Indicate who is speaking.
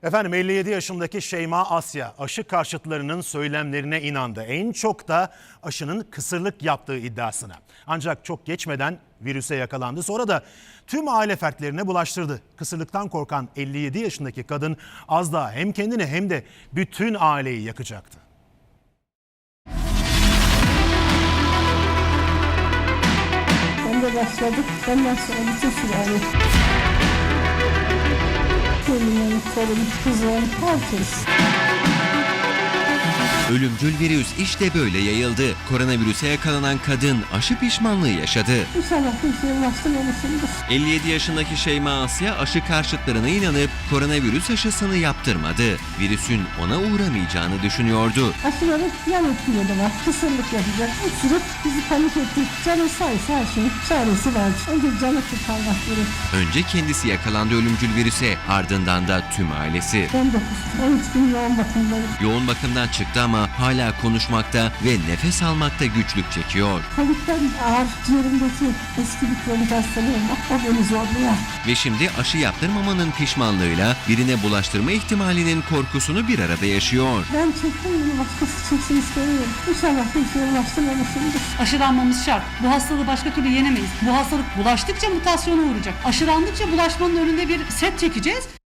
Speaker 1: Efendim 57 yaşındaki Şeyma Asya aşı karşıtlarının söylemlerine inandı. En çok da aşının kısırlık yaptığı iddiasına. Ancak çok geçmeden virüse yakalandı. Sonra da tüm aile fertlerine bulaştırdı. Kısırlıktan korkan 57 yaşındaki kadın az daha hem kendini hem de bütün aileyi yakacaktı.
Speaker 2: Ben de başladık. Ondan sonra bütün sülale. Gelinim, torun, kızım, herkes.
Speaker 3: Ölümcül virüs işte böyle yayıldı. Koronavirüse yakalanan kadın aşı pişmanlığı yaşadı.
Speaker 2: İnşallah bir şey ulaştırmamışımdır.
Speaker 3: 57 yaşındaki Şeyma Asya aşı karşıtlarına inanıp koronavirüs aşısını yaptırmadı. Virüsün ona uğramayacağını düşünüyordu.
Speaker 2: Aşıları yan etkileri var. Kısırlık yapacak. Uçurup bizi panik etti. Canı sayısı her şeyin çaresi var. Önce canı kurtarmak gerek.
Speaker 3: Önce kendisi yakalandı ölümcül virüse, ardından da tüm ailesi.
Speaker 2: 13 gün yoğun bakımdayım.
Speaker 3: Yoğun bakımdan çıktı ama hala konuşmakta ve nefes almakta güçlük çekiyor.
Speaker 2: Kolikten ağır ciğerimdeki eski bir kronik hastalığım var. O beni zorluyor.
Speaker 3: Ve şimdi aşı yaptırmamanın pişmanlığıyla birine bulaştırma ihtimalinin korkusunu bir arada yaşıyor.
Speaker 2: Ben çektim bunu, başkası çeksin istemiyorum. İnşallah bir şey ulaştırmamışımdır.
Speaker 4: Aşılanmamız şart. Bu hastalığı başka türlü yenemeyiz. Bu hastalık bulaştıkça mutasyona uğrayacak. Aşılandıkça bulaşmanın önünde bir set çekeceğiz.